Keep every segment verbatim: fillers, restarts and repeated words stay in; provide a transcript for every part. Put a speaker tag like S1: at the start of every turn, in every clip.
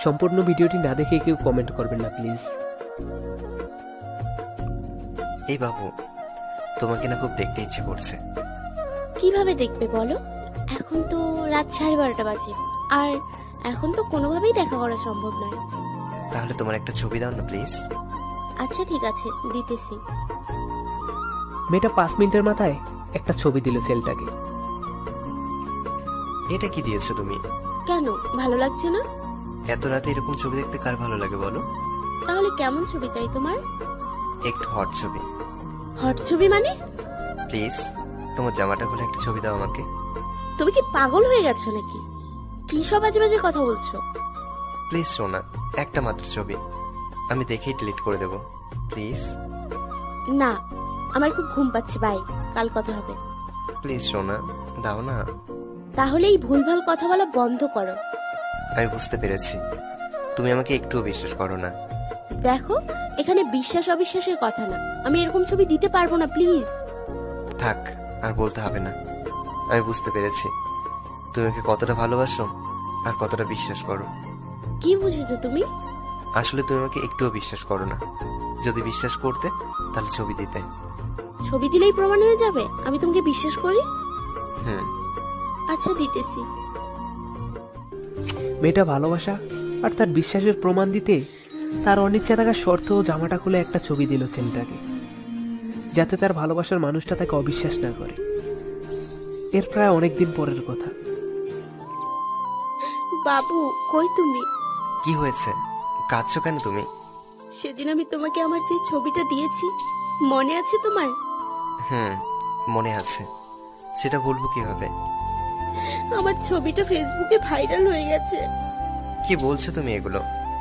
S1: সম্পূর্ণ ভিডিওটি না দেখে কেউ কমেন্ট করবেন না প্লিজ।
S2: এই বাবু, তোমাকে না খুব দেখতে ইচ্ছে করছে।
S3: কিভাবে দেখবে বলো? এখন তো রাত সাড়ে বারোটা বাজে, আর এখন তো কোনোভাবেই দেখা করা সম্ভব নয়।
S2: তাহলে তোমার একটা ছবি দাও না প্লিজ।
S3: আচ্ছা ঠিক আছে, দিতেছি।
S1: মেয়েটা পাঁচ মিনিটের মাথায় একটা ছবি দিল ছেলেটাকে।
S2: এটা কি দিয়েছো তুমি?
S3: কেন, ভালো লাগছে না?
S2: এত রাতে এরকম ছবি দেখতে কার ভালো লাগে বলো?
S3: তাহলে কেমন ছবি চাই তোমার?
S2: একটু হট ছবি।
S3: হট ছবি মানে?
S2: প্লিজ তোমার জামাটা খুলে একটা ছবি দাও আমাকে।
S3: তুমি কি পাগল হয়ে গেছো নাকি? কি সব বাজে বাজে কথা বলছো?
S2: প্লিজ সোনা, একটা মাত্র ছবি, আমি দেখেই ডিলিট করে দেব প্লিজ।
S3: না, আমার খুব ঘুম পাচ্ছে, বাই, কাল কথা হবে।
S2: প্লিজ সোনা, দাও না।
S3: তাহলে এই ভুলভাল কথা বলা বন্ধ করো।
S2: আমি বুঝতে পেরেছি, তুমি আমাকে একটুও বিশ্বাস করো না।
S3: দেখো, এখানে বিশ্বাস অবিশ্বাসের কথা না, আমি এরকম ছবি দিতে পারবো না, প্লিজ।
S2: থাক, আর বলতে হবে না। আমি বুঝতে পেরেছি তুমি ওকে কতটা ভালোবাসো আর কতটা বিশ্বাস করো।
S3: কি বুঝেছো তুমি?
S2: আসলে তুমি আমাকে একটুও বিশ্বাস করো না। যদি বিশ্বাস করতে তাহলে ছবি দিতে।
S3: ছবি দিলেই প্রমাণ হয়ে যাবে আমি তোমাকে বিশ্বাস করি?
S2: হুম।
S3: আচ্ছা, দিতেছি।
S1: মেয়েটা ভালোবাসা আর তার বিশ্বাসের প্রমাণ দিতে তার অনিচ্ছা থাকা সত্ত্বেও জামাটা খুলে একটা ছবি দিল ছেলেটাকে, যাতে তার ভালোবাসার মানুষটা তাকে অবিশ্বাস না করে। এর প্রায় অনেকদিন পরের কথা।
S3: বাবু, কই তুমি?
S2: কি হয়েছে, কাঁদছো কেন তুমি?
S3: সেদিন আমি তোমাকে আমার যে ছবিটা দিয়েছি, মনে আছে তোমার?
S2: হুম, মনে আছে। সেটা বলবো কিভাবে?
S3: আমার ছবিটা ফেসবুকে ভাইরাল হয়ে গেছে।
S2: কি বলছো তুমি এগুলো?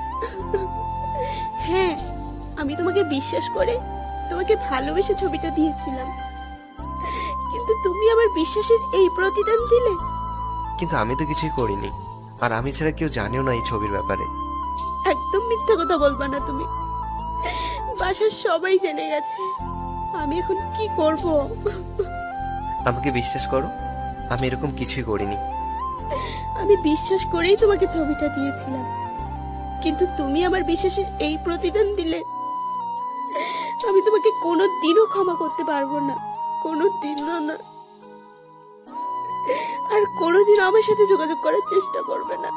S3: হ্যাঁ, আমি তোমাকে বিশ্বাস করে তোমাকে ভালোবেসে ছবিটা দিয়েছিলাম, কিন্তু তুমি আমার বিশ্বাসের এই প্রতিদান দিলে।
S2: কিন্তু আমি তো কিছুই করিনি, আর আমি ছাড়া কেউ জানেও না এই ছবির ব্যাপারে।
S3: একদম মিথ্যা কথা বলবা না তুমি, বাসার সবাই জেনে গেছে। আমি এখন কি করব?
S2: আমাকে বিশ্বাস করো, আমি এরকম কিছুই করিনি।
S3: আমি বিশ্বাস করেই তোমাকে ছবিটা দিয়েছিলাম, কিন্তু তুমি আমার বিশ্বাসের এই প্রতিদান দিলে। আমি তোমাকে কোনো দিনও ক্ষমা করতে পারবো না, কোনো দিনও না। আর কোনোদিন আমার সাথে যোগাযোগ করার চেষ্টা করবে না।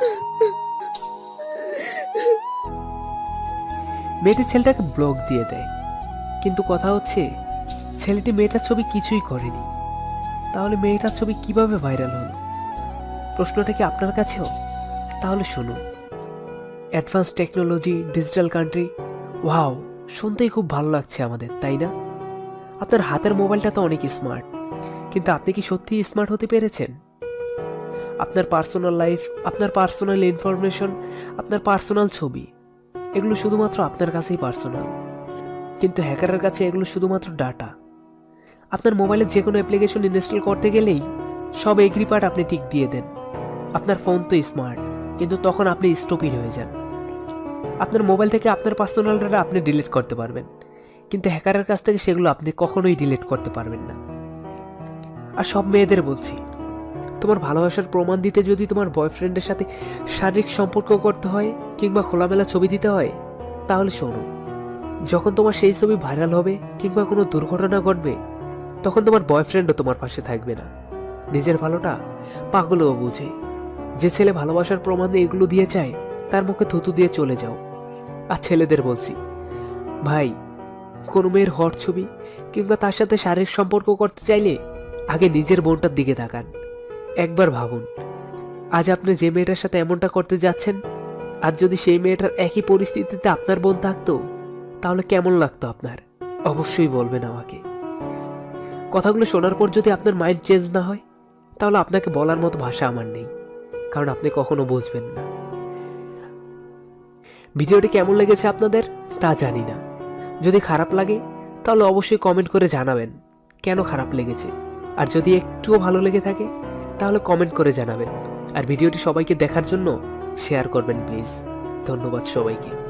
S1: মেয়েটি ছেলেটাকে ব্লক দিয়ে দেয়, কিন্তু কথা হচ্ছে ছেলেটি মেয়েটার ছবি কিছুই করেনি। তাহলে মেয়েটার ছবি কিভাবে ভাইরাল হলো? প্রশ্নটা কি আপনার কাছেও? তাহলে শুনুন। Advance technology, digital country, wow, শুনতেই খুব ভালো লাগছে আমাদের, তাই না? আপনার হাতের মোবাইলটা তো অনেক স্মার্ট, কিন্তু আপনি কি সত্যিই স্মার্ট হতে পেরেছেন? আপনার পার্সোনাল লাইফ, আপনার পার্সোনাল ইনফরমেশন, আপনার পার্সোনাল ছবি, এগুলো শুধুমাত্র আপনার কাছেই পার্সোনাল, কিন্তু হ্যাকারের কাছে এগুলো শুধুমাত্র ডাটা। আপনার মোবাইলে যে কোনো অ্যাপ্লিকেশন ইনস্টল করতে গেলেই সব এগ্রি পার্ট আপনি টিক দিয়ে দেন। আপনার ফোন তো স্মার্ট, কিন্তু তখন আপনি স্টুপিড হয়ে যান। আপনার মোবাইল থেকে আপনার পার্সোনাল ডাটা আপনি ডিলিট করতে পারবেন, কিন্তু হ্যাকারের কাছ থেকে সেগুলো আপনি কখনোই ডিলিট করতে পারবেন না। আর সব মেয়েদের বলছি, তোমার ভালোবাসার প্রমাণ দিতে যদি তোমার বয়ফ্রেন্ডের সাথে শারীরিক সম্পর্ক করতে হয় কিংবা খোলামেলা ছবি দিতে হয়, তাহলে শোনো, যখন তোমার সেই ছবি ভাইরাল হবে কিংবা কোনো দুর্ঘটনা ঘটবে, তখন তোমার বয়ফ্রেন্ডও তোমার পাশে থাকবে না। নিজের ভালোটা পাগলও বুঝে। যে ছেলে ভালোবাসার প্রমাণ দিয়ে এগুলো দিয়ে চায়, তার মুখে থুতু দিয়ে চলে যাও। আর ছেলেদের বলছি, ভাই, কোনো মেয়ের হট ছবি কিংবা তার সাথে শারীরিক সম্পর্ক করতে চাইলে আগে নিজের বোনটার দিকে তাকান। একবার ভাবুন, আজ আপনি যে মেয়েটার সাথে এমনটা করতে যাচ্ছেন, আর যদি সেই মেয়েটার একই পরিস্থিতিতে আপনার বোন থাকতো, তাহলে কেমন লাগতো আপনার? অবশ্যই বলবেন আমাকে। কথাগুলো শোনার পর যদি আপনার মাইন্ড চেঞ্জ না হয়, তাহলে আপনাকে বলার মতো ভাষা আমার নেই, কারণ আপনি কখনো বুঝবেন না। ভিডিওটি কেমন লেগেছে আপনাদের তা জানি না। যদি খারাপ লাগে তাহলে অবশ্যই কমেন্ট করে জানাবেন কেন খারাপ লেগেছে, আর যদি একটুও ভালো লেগে থাকে তাহলে কমেন্ট করে জানাবেন। আর ভিডিওটি সবাইকে দেখার জন্য শেয়ার করবেন প্লিজ। ধন্যবাদ সবাইকে।